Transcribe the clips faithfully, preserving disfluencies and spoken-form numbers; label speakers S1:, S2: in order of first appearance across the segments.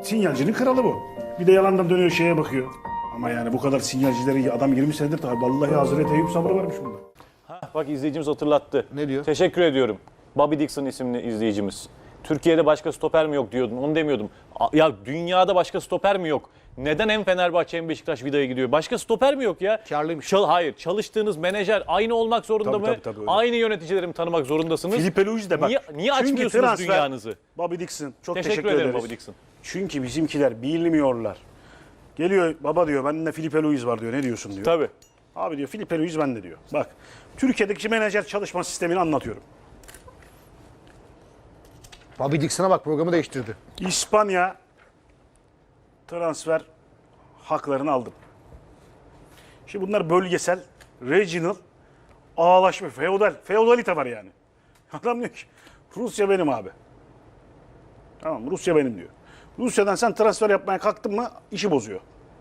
S1: Sinyalcinin kralı bu. Bir de yalandan dönüyor şeye bakıyor. Ama yani bu kadar sinyalcileri adam yirmi senedir tabii. Vallahi Hazreti Eyüp sabrı varmış bunda.
S2: Ha, bak izleyicimiz hatırlattı.
S3: Ne diyor?
S2: Teşekkür ediyorum. Bobby Dixon isimli izleyicimiz. Türkiye'de başka stoper mi yok diyordun. Onu demiyordum. A- Ya dünyada başka stoper mi yok? Neden hem Fenerbahçe hem Beşiktaş Vida'ya gidiyor? Başka stoper mi yok ya?
S3: Karlıymış.
S2: Çal hayır. Çalıştığınız menajer aynı olmak zorunda
S1: Tabii,
S2: mı?
S1: tabii, tabii, öyle.
S2: Aynı yöneticileri mi tanımak zorundasınız?
S1: Filipe Luis de bak.
S2: Niye, niye
S1: Çünkü
S2: açmıyorsunuz
S1: transfer-
S2: dünyanızı?
S1: Bobby Dixon. Çok
S2: Teşekkür,
S1: teşekkür,
S2: ederim
S1: ederiz.
S2: Bobby Dixon.
S1: Çünkü bizimkiler bilmiyorlar. Geliyor baba diyor bende Filipe Luis var diyor. Ne diyorsun diyor.
S2: Tabii.
S1: Abi diyor Filipe Luis bende diyor. Bak Türkiye'deki menajer çalışma sistemini anlatıyorum.
S3: Bobby Dixon'a bak programı değiştirdi.
S1: İspanya transfer haklarını aldım. Şimdi bunlar bölgesel, regional, ağlaşma, feodal, feodalite var yani. Adam diyor ki Rusya benim abi. Tamam Rusya benim diyor. Rusya'dan sen transfer yapmaya kalktın mı işi bozuyor.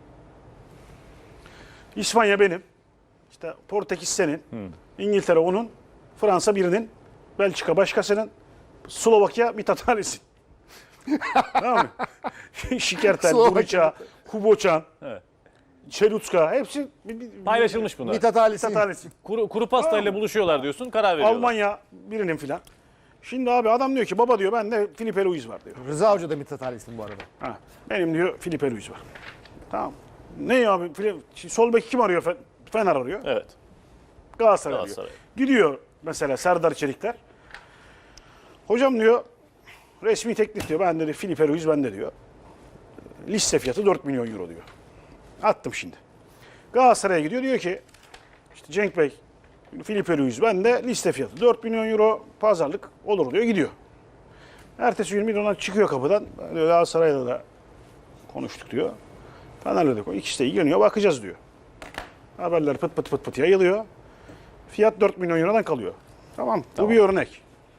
S1: İspanya benim. İşte Portekiz senin. İngiltere onun. Fransa birinin. Belçika başkasının. Slovakya Mithat Ali'sin. Tamam mı? Şikertel,
S3: Slovakya.
S1: Guriça, Kuboçan,
S2: Evet.
S1: Çelutska hepsi bir- bir-
S2: Paylaşılmış bunlar.
S3: Mithat Ali'si.
S1: Mithat Ali'sin.
S2: Kuru, kuru pastayla buluşuyorlar diyorsun. Karar veriyorlar.
S1: Almanya birinin filan. Şimdi abi adam diyor ki baba diyor bende Filipe Luis var diyor.
S3: Rıza Hoca da Mithat Ali'sin bu arada.
S1: Ha, benim diyor Filipe Luis var. Tamam. Ne ya abi? Fili- Şimdi sol bek kim arıyor? Fe- Fener arıyor.
S2: Evet.
S1: Galatasaray,
S2: Galatasaray.
S1: arıyor. Gidiyor mesela Serdar Çelikler. Hocam diyor resmi teklif diyor. Ben dedi Filipe Luis bende diyor. Liste fiyatı dört milyon euro diyor. Attım şimdi. Galatasaray'a gidiyor diyor ki işte Cenk Bey Filipe Luis bende liste fiyatı dört milyon euro pazarlık olur diyor gidiyor. Ertesi gün Milan'a çıkıyor kapıdan. Diyor, Galatasaray'la da konuştuk diyor. Fener'le de konuştuk. İkisi de ilgileniyor bakacağız diyor. Haberler pıt pıt pıt pıt yayılıyor. Fiyat dört milyon eurodan kalıyor. Tamam,
S2: Tamam.
S1: bu bir örnek.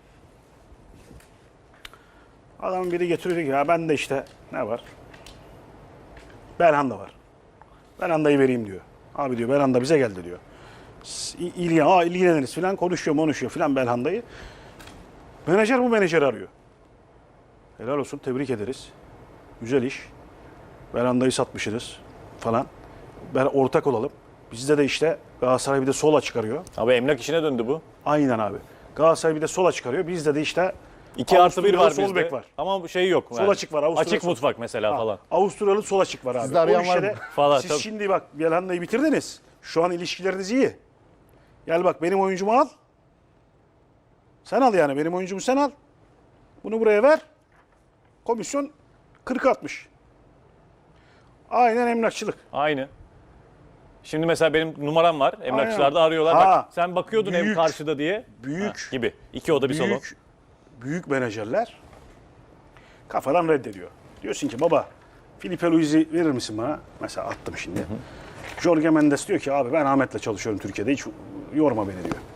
S1: Adam biri getiriyor ki ya ben de işte ne var? Belhanda var. Belhanda'yı vereyim diyor. Abi diyor Belhanda bize geldi diyor. S- İ- İlgilen, aa ilgileniriz falan konuşuyor konuşuyor falan Belhanda'yı. Menajer bu menajeri arıyor. Helal olsun tebrik ederiz. Güzel iş. Belhanda'yı satmışsınız falan. Ben ortak olalım. Bizde de işte Galatasaray bir de sola çıkarıyor.
S2: Abi emlak işine döndü bu.
S1: Aynen abi. Galatasaray bir de sola çıkarıyor. Bizde de işte
S2: İki artı bir var
S1: Avusturyalı
S2: bizde.
S1: sol bek var.
S2: Ama bu şey yok.
S1: Sol açık var, Avusturya
S2: Açık
S1: sol-
S2: mutfak mesela
S1: Ha,
S2: falan.
S1: Avusturyalı sol açık var abi.
S3: Sizde arayan
S1: O
S3: var
S1: işe de-
S3: mı?
S2: Falan,
S1: Siz
S2: tabii.
S1: şimdi bak Belhanda'yı bitirdiniz. Şu an ilişkileriniz iyi. Gel bak benim oyuncumu al. Sen al yani benim oyuncumu sen al. Bunu buraya ver. Komisyon kırk altmış. Aynen emlakçılık.
S2: Aynı. Şimdi mesela benim numaram var. Emlakçılarda
S1: Aynen.
S2: arıyorlar.
S1: Ha,
S2: Bak sen bakıyordun ev
S1: büyük,
S2: karşıda diye.
S1: büyük,
S2: Ha, gibi. İki oda bir salon.
S1: Büyük, büyük menajerler kafadan reddediyor. Diyorsun ki baba Filipe Luis'i verir misin bana? Mesela attım şimdi. Jorge Mendes diyor ki abi ben Ahmet'le çalışıyorum Türkiye'de hiç yorma beni diyor.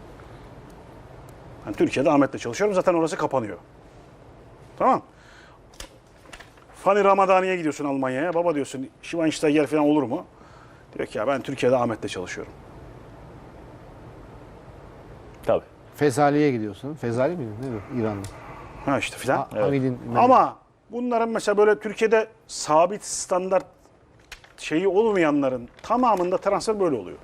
S1: Ben Türkiye'de Ahmet'le çalışıyorum zaten orası kapanıyor. Tamam. Fanny Ramadani'ye gidiyorsun Almanya'ya. Baba diyorsun Schweinsteiger falan olur mu? Diyor ki ya ben Türkiye'de Ahmet'le çalışıyorum.
S2: Tabii.
S3: Fezali'ye gidiyorsun. Fezali miydi? Ne bu? İran'da.
S1: Ha işte filan.
S3: Ha, Hamid'in
S1: Ama bunların mesela böyle Türkiye'de sabit standart şeyi olmayanların tamamında transfer böyle oluyor.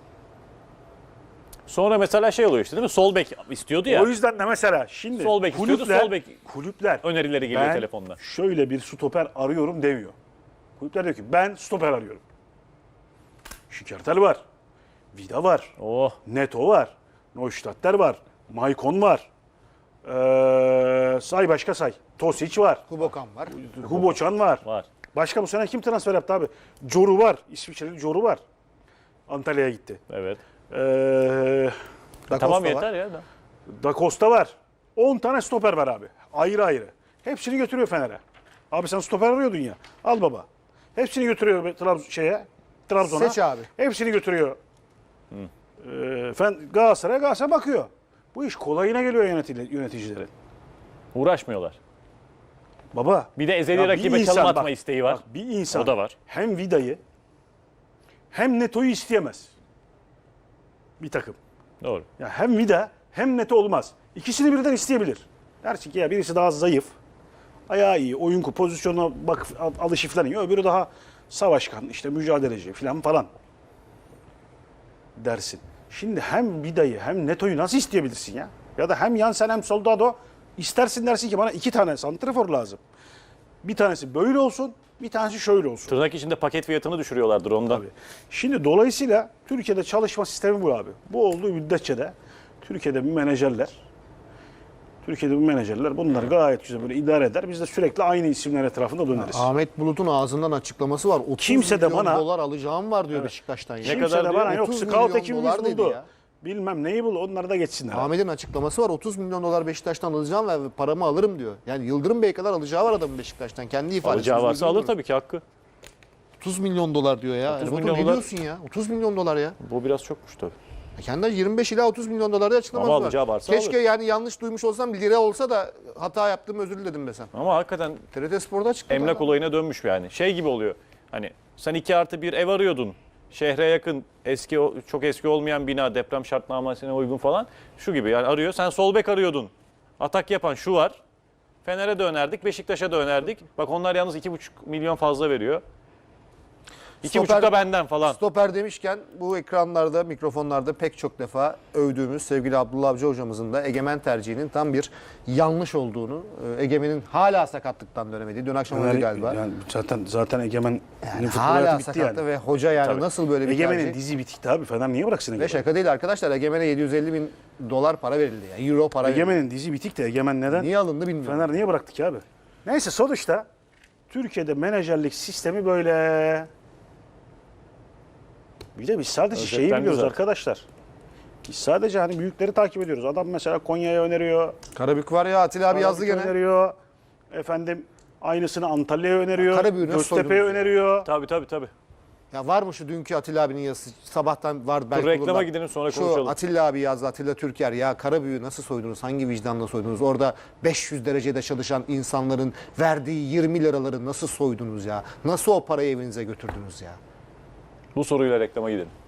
S2: Sonra mesela şey oluyor işte değil mi? Sol bek istiyordu ya.
S1: O yüzden de mesela şimdi
S2: Sol bek istiyordu,
S1: kulüpler,
S2: sol bek
S1: kulüpler
S2: önerileri geliyor
S1: ben
S2: telefonda.
S1: şöyle bir stoper arıyorum demiyor. Kulüpler diyor ki ben stoper arıyorum. Şikertel var. Vida var.
S2: Oh.
S1: Neto var. Neustadter var. Maicon var. Ee, say başka say. Tosic var.
S3: Kubokan var.
S1: Huboçan var.
S2: Var.
S1: Başka bu sene kim transfer yaptı abi? Coru var. İsviçreli Coru var. Antalya'ya gitti.
S2: Evet.
S1: Ee,
S3: Da
S2: Tamam
S3: Costa
S2: yeter
S3: var.
S2: ya. Da.
S1: Da Costa var. on tane stoper var abi. Ayrı ayrı. Hepsini götürüyor Fener'e. Abi sen stoper arıyordun ya. Al baba. Hepsini götürüyor Trabzon şeye. Trabzon'a.
S3: Seç abi.
S1: Hepsini götürüyor. Ee, Fen Galatasaray'a Galatasaray bakıyor. Bu iş kolayına geliyor yönetici- yöneticilerin.
S2: Uğraşmıyorlar.
S1: Baba.
S2: Bir de ezeli
S1: ya bir
S2: rakibe
S1: insan
S2: çalım atma
S1: bak,
S2: isteği var.
S1: Bak, bir insan
S2: O da var.
S1: hem Vida'yı hem Neto'yu isteyemez. Bir takım.
S2: Doğru.
S1: Ya hem Vida hem Neto olmaz. İkisini birden isteyebilir. Dersin ki ya birisi daha zayıf. ayağı iyi, oyun ku- pozisyonuna bak al- alışı falan iyi. Öbürü daha savaşkan, işte mücadeleci falan falan dersin. Şimdi hem Vida'yı hem Neto'yu nasıl isteyebilirsin ya? Ya da hem Jansen hem Soldado istersin dersin ki bana iki tane santrafor lazım. Bir tanesi böyle olsun, bir tanesi şöyle olsun.
S2: Tırnak içinde paket fiyatını düşürüyorlardır ondan.
S1: Tabii. Şimdi dolayısıyla Türkiye'de çalışma sistemi bu abi. Bu olduğu müddetçe de Türkiye'de bir menajerler, Türkiye'de bir menajerler bunlar gayet güzel böyle idare eder. Biz de sürekli aynı isimler etrafında döneriz.
S3: Ahmet Bulut'un ağzından açıklaması var. otuz
S1: Kimse de
S3: milyon
S1: bana-
S3: dolar alacağım var diyor Beşiktaş'tan. Ya.
S2: Ne
S1: Kimse
S2: kadar
S1: de
S2: diyor?
S1: bana yok
S3: otuz
S1: scout
S3: milyon
S1: ekibimiz
S3: dolar dedi
S1: buldu.
S3: ya.
S1: Bilmem neyi bul onları da geçsinler. abi.
S3: Ahmet'in açıklaması var. otuz milyon dolar Beşiktaş'tan alacağım ve paramı alırım diyor. Yani Yıldırım Bey kadar alacağı var adamın Beşiktaş'tan. Kendi ifadesi.
S2: Alacağı varsa alır tabii ki hakkı.
S3: otuz milyon dolar diyor ya.
S2: otuz
S3: Erbatur,
S2: milyon
S3: ne
S2: dolar-
S3: diyorsun ya? otuz milyon dolar ya.
S2: Bu biraz çokmuş tabii.
S3: Kendi yirmi beş ila otuz milyon dolar da açıklaması
S2: Ama
S3: var.
S2: alacağı varsa
S3: Keşke
S2: alır.
S3: yani yanlış duymuş olsam bir lira olsa da hata yaptım özür diledim desem.
S2: Ama hakikaten
S3: T R T Spor'da açıkladı.
S2: emlak
S3: adam.
S2: olayına dönmüş yani. Şey gibi oluyor. Hani sen iki artı bir ev arıyordun. Şehre yakın, eski çok eski olmayan bina, deprem şartnamesine uygun falan. Şu gibi yani arıyor. Sen sol bek arıyordun. Atak yapan şu var. Fener'e de önerdik, Beşiktaş'a da önerdik. Bak onlar yalnız iki buçuk milyon fazla veriyor. İki
S3: Stoper-
S2: buçuk da benden falan.
S3: Stoper demişken bu ekranlarda, mikrofonlarda pek çok defa övdüğümüz sevgili Abdullah Avcı hocamızın da Egemen tercihinin tam bir yanlış olduğunu, e, Egemen'in hala sakatlıktan dönemediği, dün akşam oynadı galiba.
S1: Yani zaten zaten Egemen'in
S3: Yani
S1: futbol
S3: hala
S1: hayatı bitti
S3: sakattı
S1: yani.
S3: ve hoca yani
S2: Tabii.
S3: nasıl böyle bir
S1: Egemen'in
S3: tercih?
S1: dizi bitikti abi. Fener niye bıraksın
S3: Ve
S1: Egemen?
S3: şaka değil arkadaşlar, Egemen'e yedi yüz elli bin dolar para verildi. Yani euro para verildi.
S1: Egemen'in dizi bitik de Egemen neden?
S3: Niye alındı bilmiyorum.
S1: Fener niye bıraktı ki abi? Neyse sonuçta Türkiye'de menajerlik sistemi böyle. Bir de biz sadece şeyi
S2: Özetlendi
S1: biliyoruz
S2: zaten.
S1: arkadaşlar. Biz sadece hani büyükleri takip ediyoruz. Adam mesela Konya'ya öneriyor.
S3: Karabük var ya, Atilla abi yazdı
S1: Karabük'e
S3: gene.
S1: öneriyor. Efendim aynısını Antalya'ya öneriyor.
S3: Karabük'ü nasıl
S1: Göztepe'ye
S3: soydunuz ya?
S1: öneriyor.
S2: Tabii tabii tabii.
S3: Ya var mı şu dünkü Atilla abinin yazısı? Sabahtan var belki.
S2: reklama
S3: bulurlar.
S2: gidelim, sonra
S3: Şu
S2: konuşalım.
S3: Atilla abi yazdı, Atilla Türker. Ya Karabük'ü nasıl soydunuz? Hangi vicdanla soydunuz? Orada beş yüz derecede çalışan insanların verdiği yirmi liraları nasıl soydunuz ya? Nasıl o parayı evinize götürdünüz ya?
S2: Bu soruyla reklama gidelim.